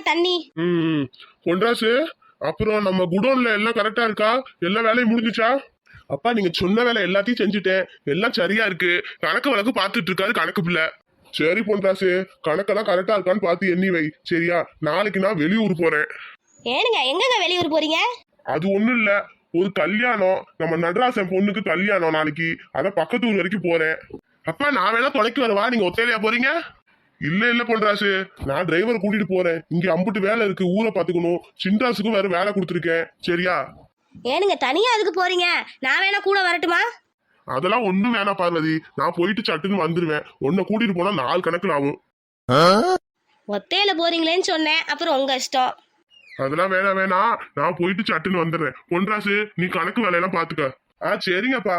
தண்ணி. பொன்ராசு, அப்புறம் நம்ம குடோன்ல எல்லாம் கரெக்டா இருக்கா? எல்லா வேலையும் முடிஞ்சுச்சா? அப்பா, நீங்க சொன்ன வேலை எல்லாத்தையும் செஞ்சுட்டேன், எல்லாம் சரியா இருக்கு. கணக்கு வழக்கு பார்த்துட்டு இருக்காரு கணக்கு பிள்ளை. சரி பொன்ராசு, கணக்கெல்லாம் கரெக்டா இருக்கான்னு பார்த்து எண்ணி வை, சரியா? நாளைக்கு நான் வெளியூர் போறேன். ஏனுங்க, எங்கங்க வெளியூர் போறீங்க? அது ஒண்ணும் இல்ல, ஒரு கல்யாணம், நம்ம நடராசன் பொண்ணுக்கு கல்யாணம் நாளைக்கு. அத பக்கத்து ஊர் வரைக்கும் போறேன். அப்பா, நான் வேணா தொலைக்கு வரவா? நீங்க ஒத்தையிலையா போறீங்க? இல்ல பொன்ராசு, நான் டிரைவர் கூட்டிட்டு போறேன். இங்க அம்புட்டு வேலை இருக்கு, ஊரை பாத்துக்கணும். சின்ராசுக்கும் வேற வேலை கொடுத்துருக்கேன், சரியா? ஏனுங்க, தனியா அதுக்கு போறீங்க? நான் வேணா கூட வரட்டுமா? அதெல்லாம் ஒண்ணும் வேணாம் பார்வதி, நான் போயிட்டு சட்டுன்னு வந்துருவேன். உன்னை கூட்டிட்டு போனா 4 கணக்குல ஆகும். ஒத்தையில போறீங்களேன்னு சொன்னேன், அப்புறம் உங்க இஷ்டம். அதெல்லாம் வேணாம், நான் போயிட்டு சட்டுன்னு வந்துடுறேன். பொன்ராசு, நீ கணக்கு வேலையெல்லாம் பாத்துக்க. சரிங்கப்பா.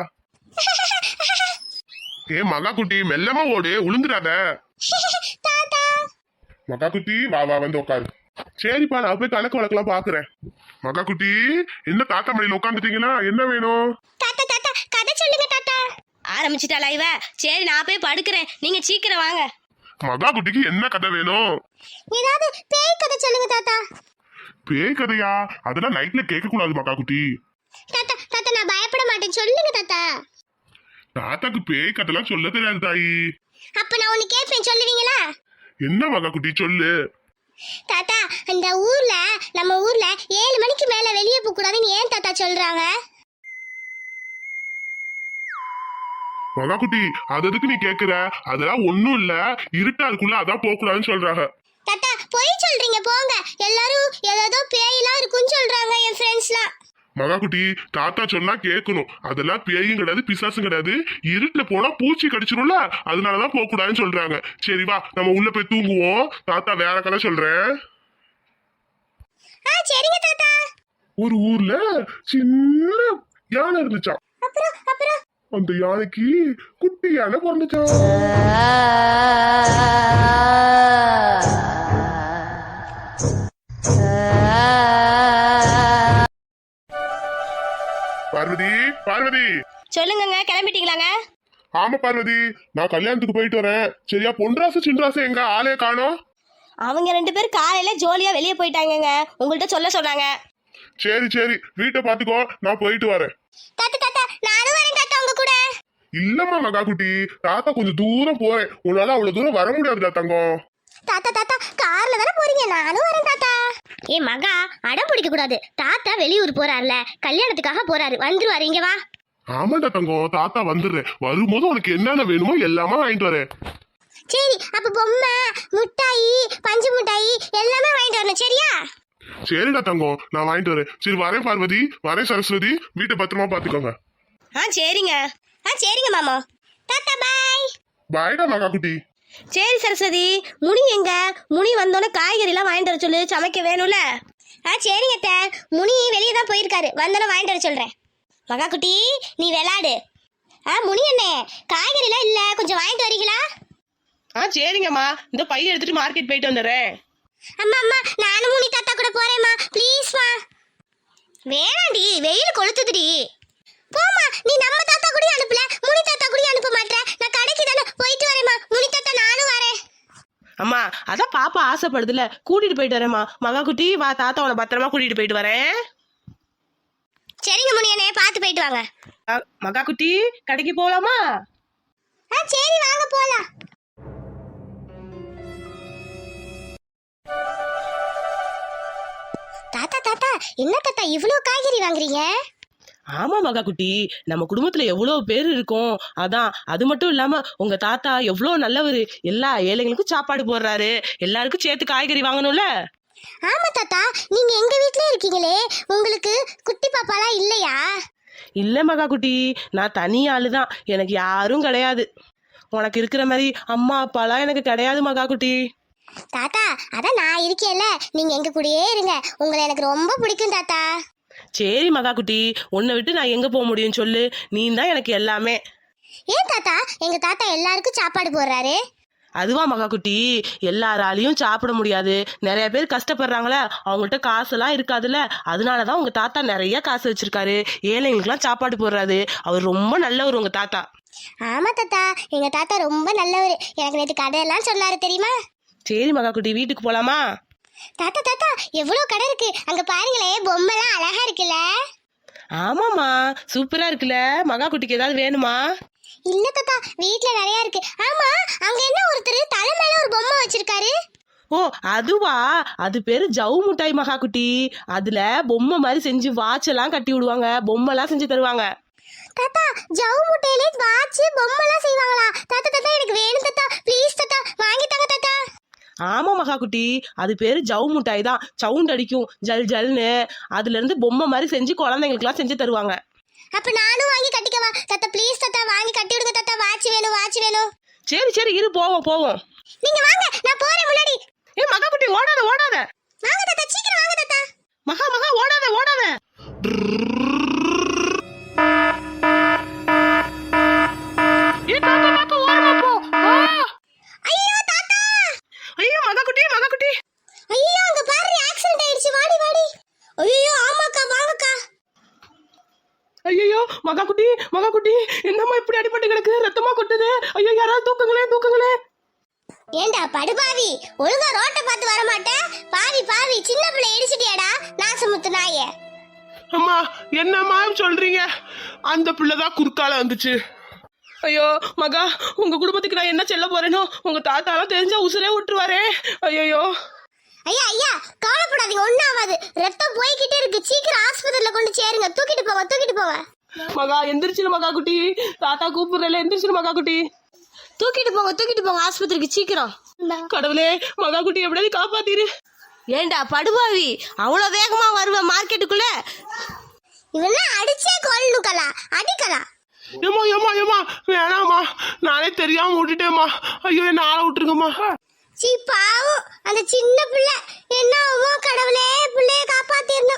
மகா குட்டி, மெல்லமா ஓடு, உளுந்துடாத. மகா குட்டி, வா வந்து உட்காரு. சரிப்பா, நான் போய் கணக்கு வழக்கெல்லாம் பாக்குறேன். மகா குட்டி, என்ன தாத்தா மடியில உட்காந்துட்டீங்களா? என்ன வேணும்? தாத்தா தாத்தா, கதை சொல்லுங்க தாத்தா. ஆரம்பிச்சிட்டாளா இவ? சரி, நான் போய் படுக்கிறேன், நீங்க சீக்கிரம் வாங்க. மகா குட்டிக்கு என்ன கதை வேணும்? ஏதாவது பேய் கதை சொல்லுங்க தாத்தா. பேய் கதையா? அதெல்லாம் நைட்ல கேட்க கூடாது மகா குட்டி. தாத்தா தாத்தா, நான் பயப்பட மாட்டேன், சொல்லுங்க தாத்தா. தாத்தாக்கு பேய் கதைலாம் சொல்ல தெரியாது தாயி. அப்ப நான் ஒன்னு கேட்பேன், சொல்லுவீங்களா? என்ன மகா குட்டி, சொல்லு. தாத்தா, இந்த ஊர்ல, நம்ம ஊர்ல 7 மணிக்கு மேல வெளியே போக கூடாதுன்னு ஏன் தாத்தா சொல்றாங்க? மகா குட்டி, அது எதுக்கு நீ கேக்குற? அதெல்லாம் ஒண்ணும் இல்ல, இருட்டா இருக்குல்ல, அதான் போக கூடாதுன்னு சொல்றாங்க. தாத்தா, பொய் சொல்றீங்க போங்க. எல்லாரும் ஏதோ பேயெல்லாம் இருக்குன்னு சொல்றாங்க, என் ஃப்ரெண்ட்ஸ்லாம். மகா குட்டி, தாத்தா சொன்னா கேட்கணும். அதெல்லாம் பேயும் கிடையாது, பிசாசும் கிடையாது. இருட்டுல போனா பூச்சி கடிச்சிரும்ல, அதனாலதான் போக கூடாதுன்னு சொல்றாங்க. சரி வா, நம்ம உள்ள போய் தூங்குவோம். தாத்தா வேற கதை சொல்றேன். சரிங்க தாத்தா. ஒரு ஊர்ல சின்ன யானை இருந்துச்சாம். அப்புறம் அந்த யானைக்கு குட்டி யானை பிறந்துச்சாம். பார்வதி, சொல்லுங்க, கிளம்பிட்டீங்களாங்க? ஆமா பார்வதி, நான் கல்யாணத்துக்கு போயிட்டு வரேன், சரியா? பொன்ராசு சின்ராசு எங்க ஆளே காணோம். அவங்க 2 பேரும் காலையில ஜோலியா வெளியே போயிட்டாங்கங்க, உங்கள்கிட்ட சொல்ல சொன்னாங்க. சரி, வீட்டை பாத்துக்கோ, நான் போயிட்டு வரேன். தாத்தா தாத்தா, நானும் வரேன் தாத்தா உங்க கூட. இல்லம்மா மகா குட்டி, தாத்தா கொஞ்சம் தூரம் போறேன், உன்னால அவ்வளவு தூரம் வர முடியாதுடா தங்கம். தாத்தா தாத்தா, கார்ல தானே போறீங்க, நானும் வரேன் தாத்தா. மகா, அடம் பிடிக்க கூடாது. தாத்தா வெளியூர் போறாருல, கல்யாணத்துக்காக போறாரு, வந்துருவாரு, இங்க வா. ஆமாண்டா தங்கம், தாத்தா வந்துடுறேன். வரும்போது உனக்கு என்னென்ன வேணுமோ எல்லாமே வாங்கிட்டு வரேன். சரி, அப்ப பொம்மை, முட்டாயி, பஞ்சு முட்டாயி எல்லாமே வாங்கிட்டு வரணும், சரியா? சரிடா தங்கம், நான் வாங்கிட்டு வரேன். சரி, வரேன் பார்வதி, வரேன் சரஸ்வதி, வீட்டை பத்திரமா பாத்துக்கோங்க. சரிங்க மாமா. தாத்தா பாய். பாய்டா மகா குட்டி. சரி சரஸ்வதி, முனி எங்க? முனி வந்தோடனே காய்கறி எல்லாம் வாங்கிட்டு வர சொல்லு, சமைக்க வேணும்ல. சரிங்க அத்தை, முனி வெளியே தான் போயிருக்காரு, வந்தோடனே வாங்கிட்டு வர சொல்றேன். மகா குட்டி, நீ விளையாடு. முனி அண்ணே, காய்கறி எல்லாம் இல்ல, கொஞ்சம் வாங்கிட்டு வரீங்களா? சரிங்கம்மா, இந்த பைய எடுத்துட்டு மார்க்கெட் போயிட்டு வந்துடுறேன். அம்மா நானும் முனி தாத்தா கூட போறேம்மா, ப்ளீஸ்மா. வேணாண்டி, வெயில் கொளுத்துதுடி. போமா, நீ நம்ம தாத்தா கூட அனுப்பல, முனி தாத்தா கூட அனுப்ப மாட்டே. நான் கடைக்கு தானே போயிட்டு வரேம்மா. முனி தாத்தா, நானும் வரேன். அம்மா, அதான் பாப்பா ஆசைப்படுதுல, கூட்டிட்டு போயிட்டு வரேம்மா. மகா குட்டி வா, தாத்தா உன பத்திரமா கூட்டிட்டு போயிட்டு வரேன். சரிங்க முனியனே, பார்த்து போயிட்டு வாங்க. மகா குட்டி, கடைக்கு போலாமா? சரி, வாங்க போலாம். தாத்தா, என்ன தாத்தா இவ்ளோ காய்கறி வாங்குறீங்க? ஆமா மகா குட்டி, நம்ம குடும்பத்துல எவ்வளவு பேர் இருக்கோம், அதான். அது மட்டும் இல்லாம உங்க தாத்தா எவ்வளவு நல்லவரு, எல்லா ஏழைகளுக்கும் சாப்பாடு போடுறாரு, எல்லாருக்கும் சேர்த்து காய்கறி வாங்கணும்ல. ஆமா தாத்தா, நீங்க எங்க வீட்லயே இருக்கீங்களே, உங்களுக்கு குட்டி பாப்பாலாம் இல்லையா? இல்ல மகா குட்டி, நான் தனி ஆளுதான், எனக்கு யாரும் கிடையாது. உனக்கு இருக்கிற மாதிரி அம்மா அப்பாலாம் எனக்கு கிடையாது மகா குட்டி. தாத்தா, அதான் நான் இருக்கேன்ல, நீங்க எங்க கூடயே இருங்க, உங்களை எனக்கு ரொம்ப பிடிக்கும் தாத்தா. சரி மகா குட்டி, உன்னை விட்டு நான் எங்க போக முடியும் சொல்லு, நீ தான் எனக்கு எல்லாமே. ஏன் தாத்தா, எங்க தாத்தா எல்லாருக்கும் சாப்பாடு போடுறாரு? அதுவா மகா குட்டி, எல்லாராலையும் சாப்பிட முடியாது, நிறைய பேர் கஷ்டப்படுறாங்களே, அவங்கள்ட்ட காசெல்லாம் இருக்காதுல்ல, அதனாலதான் உங்க தாத்தா நிறைய காசு வச்சிருக்காரு, ஏழைங்களுக்குலாம் சாப்பாடு போடுறாரு. அவர் ரொம்ப நல்லவர் உங்க தாத்தா. ஆமா தாத்தா, எங்க தாத்தா ரொம்ப நல்லவர், எனக்கு நேற்று கதையெல்லாம் சொன்னாரு தெரியுமா? சரி மகா குட்டி, வீட்டுக்கு போலாமா? தாத்தா தாத்தா எவ்வளவு கடை இருக்கு அங்க பாருங்களே, பொம்மைலாம் அழகா இருக்குல்ல. ஆமாம்மா, சூப்பரா இருக்குல்ல. மகா குட்டிக்கு ஏதாவது வேணுமா? இல்ல தாத்தா, வீட்ல நிறைய இருக்கு. ஆமா, அங்க என்ன ஒருத்தர் தலை மேல ஒரு பொம்மை வச்சிருக்காரு? ஓ அதுவா, அது பேரு ஜவு முட்டாய் மகா குட்டி. அதுல பொம்மை மாதிரி செஞ்சு வாட்ச் எல்லாம் கட்டி விடுவாங்க, பொம்மை எல்லாம் செஞ்சு தருவாங்க. தாத்தா, ஜவு முட்டையிலே வாட்ச் பொம்மைலாம் செய்வாங்களா? தாத்தா தாத்தா எனக்கு வேணும் தாத்தா, ப்ளீஸ் தாத்தா வாங்கி தாங்க தாத்தா. ஆமா மகா குட்டி, அது பேரு ஜவு முட்டாய் தான். சவுண்ட் அடிக்கும் ஜல் ஜல்னு. அதுல இருந்து பொம்மை மாதிரி செஞ்சு குழந்தைங்களுக்கு எல்லாம் செஞ்சு தருவாங்க. அப்ப நானும் வாங்கி கட்டிக்கவா தாத்தா? ப்ளீஸ் தாத்தா வாங்கி கட்டி விடுங்க தாத்தா, வாட்ச் வேணும் வாட்ச் வேணும். சரி சரி இரு, போவோம் போவோம். நீங்க வாங்க, நான் போறேன் முன்னாடி. ஏ மகா குட்டி, ஓடாத ஓடாத. வாங்க தாத்தா, சீக்கிரம் வாங்க தாத்தா. மகா மகா ஓடாத ஓடாத. ஏ தாத்தா தாத்தா ஓரமா போ. ஐயோ தாத்தா, ஐயோ மகா குட்டி மகா குட்டி. ஐயோ அங்க பாரு, ஆக்சிடென்ட் ஆயிடுச்சு, வாடி வாடி. ஐயோ ஆமாக்கா, வாங்கக்கா. ஐயோ மகா குட்டி மகா குட்டி, என்னம்மா இப்படி அடிபட்டு கிடக்கு, ரத்தமா கொட்டுது. ஐயோ யாராவது தூக்குங்களே தூக்குங்களே. ஏண்டா படுபாவி, ஒழுங்கா ரோட்டை பார்த்து வர மாட்டேன். பாவி பாவி, சின்ன பிள்ளை இடிச்சிட்டியாடா நாசமுத்து நாயே. அம்மா என்னம்மா சொல்றீங்க? அந்த பிள்ளைதான் குறுக்கால வந்துச்சு. ஐயோ மகா, உங்க குடும்பத்துக்கு நான் என்ன சொல்ல போறேனோ, உங்க தாத்தாலாம் தெரிஞ்சா உசுரே விட்டுருவாரே. ஐயோ ஐயா ஐயா, கவலைப்படாதீங்க, ஒண்ணும் ஆகாது. ரத்தம் போய்கிட்டே இருக்கு, சீக்கிரம் ஆஸ்பத்திரியில கொண்டு சேருங்க. தூக்கிட்டு போங்க தூக்கிட்டு போங்க. மகா எந்திரிச்சிரு மகா குட்டி, தாத்தா கூப்பிடுறல, எந்திரிச்சிரு மகா குட்டி. தூக்கிட்டு போங்க ஆஸ்பத்திரிக்கு சீக்கிரம். கடவுளே, மகா குட்டி எப்படியாவது காப்பாத்திரு. ஏண்டா படுபாவி, அவ்வளவு வேகமா வருவ மார்க்கெட்டுக்குள்ள? இவெல்லாம் அடிச்சே கொல்லுக்கலா, அடிக்கலாம். ஏமா ஏமா ஏமா, வேணாமா, நானே தெரியாம விட்டுட்டேம்மா. ஐயோ என்ன ஆள விட்டுருங்கம்மா. சீ பாவம், அந்த சின்ன பிள்ளை என்ன ஆகும்? கடவுளே, பிள்ளைய காப்பாத்திருந்தா